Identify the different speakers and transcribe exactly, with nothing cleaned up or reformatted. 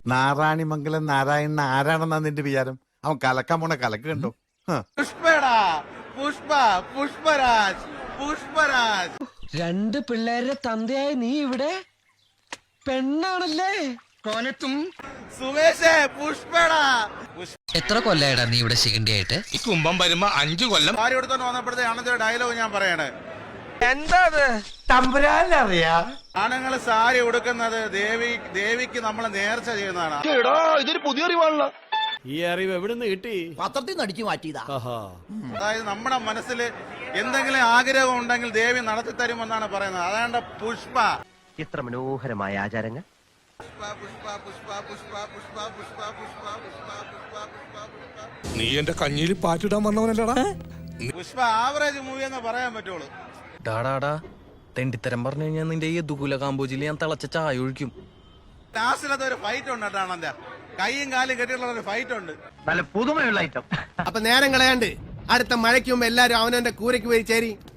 Speaker 1: നാരായണിമംഗലം നാരായണൻ ആരാണെന്നാ നിന്റെ വിചാരം? അവൻ കലക്കാൻ പോണ കലക്ക് കണ്ടോ?
Speaker 2: പുഷ്പടാ പുഷ്പ പുഷ്പരാജ് പുഷ്പരാജ്.
Speaker 3: രണ്ട് പിള്ളേരുടെ തന്തയായ നീ ഇവിടെ പെണ്ണാണല്ലേ?
Speaker 2: കോലത്തും സുമേഷേ പുഷ്പടാ.
Speaker 3: എത്ര കൊല്ലായിടാ നീ ഇവിടെ ശിഖണ്ഡിയായിട്ട്?
Speaker 4: ഈ കുംഭം വരുമ്പോ അഞ്ചു കൊല്ലം.
Speaker 2: സാരി എടുത്തോണ്ട് വന്നപ്പോഴത്തെ ആണത്തെ ഡയലോഗ് ഞാൻ പറയണേ.
Speaker 3: എന്താ
Speaker 1: തമ്പുരാനറിയാ
Speaker 2: ആണുങ്ങൾ സാരി ഉടുക്കുന്നത് ദേവി ദേവിക്ക് നമ്മൾ നേർച്ച ചെയ്യുന്നതാണ്.
Speaker 4: ഇതൊരു പുതിയ അറിവാണല്ലോ.
Speaker 5: ഈ അറിവ് എവിടുന്ന് കിട്ടി?
Speaker 6: പത്രത്തിൽ നിന്ന് അടിച്ചു മാറ്റിയതാ.
Speaker 2: അതായത് നമ്മുടെ മനസ്സിൽ എന്തെങ്കിലും ആഗ്രഹം ഉണ്ടെങ്കിൽ ദേവി നടത്തി തരുമെന്നാണ് പറയുന്നത്. അതാണ്ട് പുഷ്പ.
Speaker 6: ഇത്ര മനോഹരമായ ആചാരങ്ങൾ.
Speaker 2: പുഷ്പ പുഷ്പ പുഷ്പ പുഷ്പ പുഷ്പ പുഷ്പ പുഷ്പ പുഷ്പ പുഷ്പ പുഷ്പ.
Speaker 4: നീ എന്റെ കഞ്ഞിയിൽ പാറ്റിടാൻ വന്നവനല്ലടാ.
Speaker 2: പുഷ്പ ആവറേജ് മൂവി എന്ന് പറയാൻ പറ്റുള്ളൂ.
Speaker 3: ഡാടാടാ തെണ്ടിത്തരം പറഞ്ഞു കഴിഞ്ഞാൽ നിന്റെ ഈ ദുകുല കാമ്പോജിൽ ഞാൻ തിളച്ച ചായ ഒഴിക്കും.
Speaker 2: ലാസ്റ്റിലത്തെ ഒരു ഫൈറ്റ് ഉണ്ട് കേട്ടോ ആണന്റെ. കൈയും കാലും കെട്ടിയിട്ടുള്ള ഒരു ഫൈറ്റ് ഉണ്ട്.
Speaker 6: നല്ല പുതുമയുള്ള ഐറ്റം.
Speaker 7: അപ്പൊ നേരം കളയാണ്ട് അടുത്ത മഴയ്ക്ക് മുമ്പ് എല്ലാരും അവനവന്റെ കൂരയ്ക്ക് പോയി ചേരി.